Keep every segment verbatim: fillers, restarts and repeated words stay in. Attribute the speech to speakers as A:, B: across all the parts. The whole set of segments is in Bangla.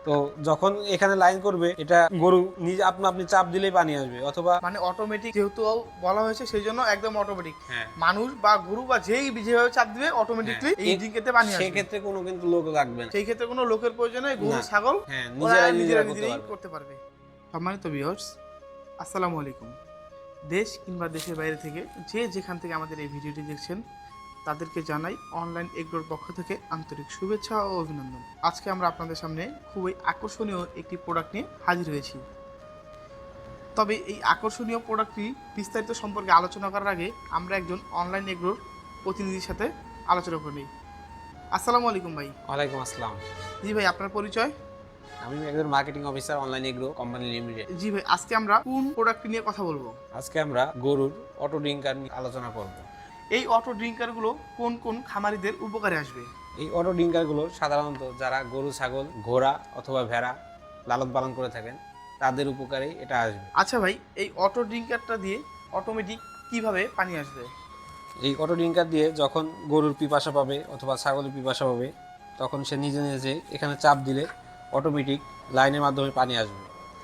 A: তো যখন এখানে লাইন করবে এটা গরু নিজে আপনি আপনি চাপ দিলেই পানি আসবে, অথবা
B: মানে অটোমেটিক যেহেতু বলা হয়েছে সেই জন্য একদম অটোমেটিক।
A: হ্যাঁ
B: মানুষ বা গরু বা যেই যেভাবে চাপ দিবে অটোমেটিকলি এই ড্রিঙ্কেতে পানি আসবে।
A: সেই ক্ষেত্রে কোনো কিন্তু লোক লাগবে না,
B: সেই ক্ষেত্রে কোনো লোকের প্রয়োজন নেই, গরু ছাগল
A: হ্যাঁ
B: ওরা
A: নিজেরাই
B: নিজেরা
A: নিজেরা
B: নিজেরাই করতে পারবে। সম্মানিত ভিউয়ার্স, আসসালামু আলাইকুম। দেশ কিংবা দেশের বাইরে থেকে যে যেখান থেকে আমাদের এই ভিডিওটি দেখছেন তাদেরকে জানাই অনলাইন এগ্রোর পক্ষ থেকে আন্তরিক শুভেচ্ছা ও অভিনন্দন। আজকে আমরা আপনাদের সামনে খুবই আকর্ষণীয় একটি প্রোডাক্ট নিয়ে হাজির হয়েছি। তবে এই আকর্ষণীয় প্রোডাক্টটি বিস্তারিত সম্পর্কে আলোচনা করার আগে আমরা একজন অনলাইন এগ্রোর প্রতিনিধির সাথে আলোচনা করে নিই। আসসালামু আলাইকুম ভাই।
A: ওয়ালাইকুম আসসালাম।
B: জি ভাই, আপনার পরিচয়?
A: আমি একজন marketing officer, online agro company limited.
B: জি ভাই, আজকে আমরা কোন প্রোডাক্ট নিয়ে কথা বলবো?
A: আজকে আমরা গরুর অটো ড্রিঙ্কার নিয়ে আলোচনা করব।
B: এই অটো ড্রিঙ্কারগুলো কোন কোন খামারিদের উপকারে আসবে?
A: এই অটো ড্রিঙ্কারগুলো সাধারণত যারা গরু ছাগল ঘোড়া অথবা ভেড়া লালন পালন করে থাকেন তাদের উপকারে এটা আসবে।
B: আচ্ছা ভাই, এই অটো ড্রিঙ্কারটা দিয়ে অটোমেটিক কিভাবে পানি আসবে?
A: এই অটো ড্রিঙ্কার দিয়ে যখন গরুর পিপাসা পাবে অথবা ছাগলের পিপাসা পাবে তখন সে নিজে নিজে এখানে চাপ দিলে অটোমেটিক লাইনের মাধ্যমে পানি আসবে।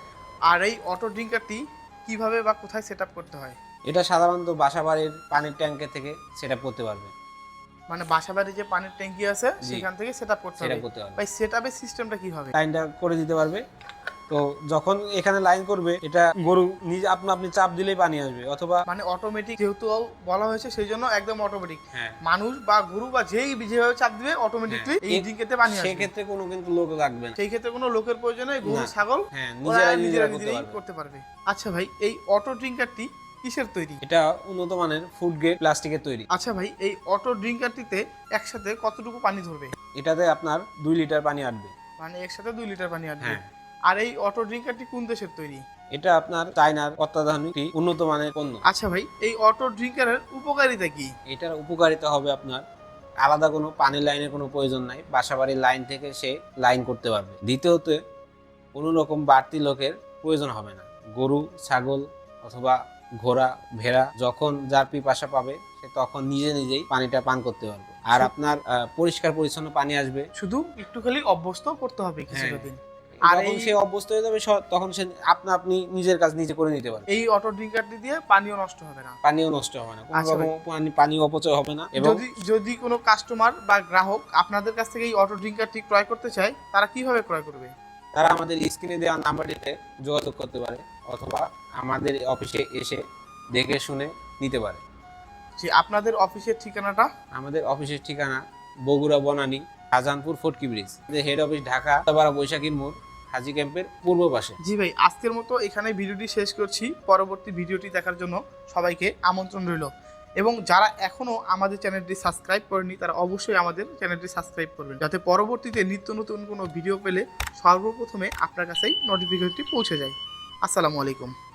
B: আর এই অটো ড্রিঙ্কারটি কিভাবে বা কোথায় সেট আপ করতে হয়?
A: এটা সাধারণত বাসাবাড়ির পানির ট্যাঙ্কের থেকে সেট আপ করতে পারবে।
B: মানে বাসাবাড়ির যে পানির ট্যাঙ্কি আছে সেখান থেকে সেট আপ করতে হবে। ভাই সেট আপের সিস্টেমটা কি হবে?
A: লাইনটা করে দিতে পারবে। তো যখন এখানে লাইন করবে এটা গরু নিজে আপনি আপনি চাপ দিলেই পানি আসবে, অথবা
B: মানে অটোমেটিক যেহেতু বলা হয়েছে সেই জন্য একদম অটোমেটিক।
A: হ্যাঁ
B: মানুষ বা গরু বা যেই যেভাবে চাপ দিবে অটোমেটিকলি এই ড্রিঙ্কেতে পানি আসবে।
A: সেই ক্ষেত্রে কোনো কিন্তু লোক লাগবে না,
B: সেই ক্ষেত্রে কোনো লোকের প্রয়োজন নেই, গরু ছাগল
A: হ্যাঁ
B: ওরা
A: নিজেরাই
B: নিজেরা
A: নিজেরা
B: নিজেরাই করতে পারবে। আচ্ছা ভাই, এই অটো ড্রিঙ্কারটি কিসের তৈরি?
A: এটা উন্নত মানের ফুড গ্রেড প্লাস্টিকের তৈরি।
B: আচ্ছা ভাই, এই অটো ড্রিঙ্কারটিতে একসাথে কতটুকু পানি ধরবে?
A: এটাতে আপনার দুই লিটার পানি আসবে।
B: মানে একসাথে দুই লিটার পানি আসবে।
A: হ্যাঁ।
B: আর এই অটো ড্রিঙ্কারটি কোন দেশের তৈরি?
A: এটা আপনার চায়নার অত্যাধুনিক উন্নত মানের পণ্য।
B: আচ্ছা ভাই, এই অটো ড্রিঙ্কারের উপকারিতা কি?
A: এটার উপকারিতা হবে আপনার আলাদা কোনো পানির লাইনের কোনো প্রয়োজন নাই, বাসাবাড়ির লাইন থেকে সে লাইন করতে পারবে। দ্বিতীয়ত কোনো রকম বাড়তি লোকের প্রয়োজন হবে না। গরু ছাগল অথবা ঘোড়া ভেড়া যখন যার পিপাসা পাবে সে তখন নিজে নিজেই পানিটা পান করতে পারবে। আর আপনার পরিষ্কার পরিচ্ছন্ন পানি আসবে।
B: শুধু একটু খালি অভ্যস্ত করতে হবে কিছুটা দিন।
A: আর যখন সে অভ্যস্ত হয়ে যাবে তখন সে আপনা আপনি নিজের কাজ নিজে করে নিতে পারবে।
B: এই অটো ড্রিঙ্কারটি দিয়ে পানিও নষ্ট হবে না।
A: পানিও নষ্ট হবে না, কোনো রকম পানি পানি অপচয় হবে না। এবং
B: যদি যদি কোনো কাস্টমার বা গ্রাহক আপনাদের কাছ থেকে এই অটো ড্রিঙ্কারটি ক্রয় করতে চায় তারা কিভাবে ক্রয় করবে?
A: তারা আমাদের স্ক্রিনে দেওয়া নাম্বারটিতে যোগাযোগ করতে পারে অথবা আমাদের অফিসে এসে দেখে শুনে নিতে পারে।
B: যে আপনাদের অফিসের ঠিকানাটা?
A: আমাদের অফিসের ঠিকানা Bogura Banani Shahjahanpur Fotki bridge. Head office Dhaka বৈশাখীর মোড় হাজি ক্যাম্পের পূর্ব পাশে।
B: জি ভাই, আজকের মতো এখানে ভিডিওটি শেষ করছি। পরবর্তী ভিডিওটি দেখার জন্য সবাইকে আমন্ত্রণ রইল। এবং যারা এখনও আমাদের চ্যানেলটি সাবস্ক্রাইব করেনি তারা অবশ্যই আমাদের চ্যানেলটি সাবস্ক্রাইব করবেন, যাতে পরবর্তীতে নিত্য নতুন কোনো ভিডিও পেলে সর্বপ্রথমে আপনার কাছেই নোটিফিকেশনটি পৌঁছে যায়। আসসালামু আলাইকুম।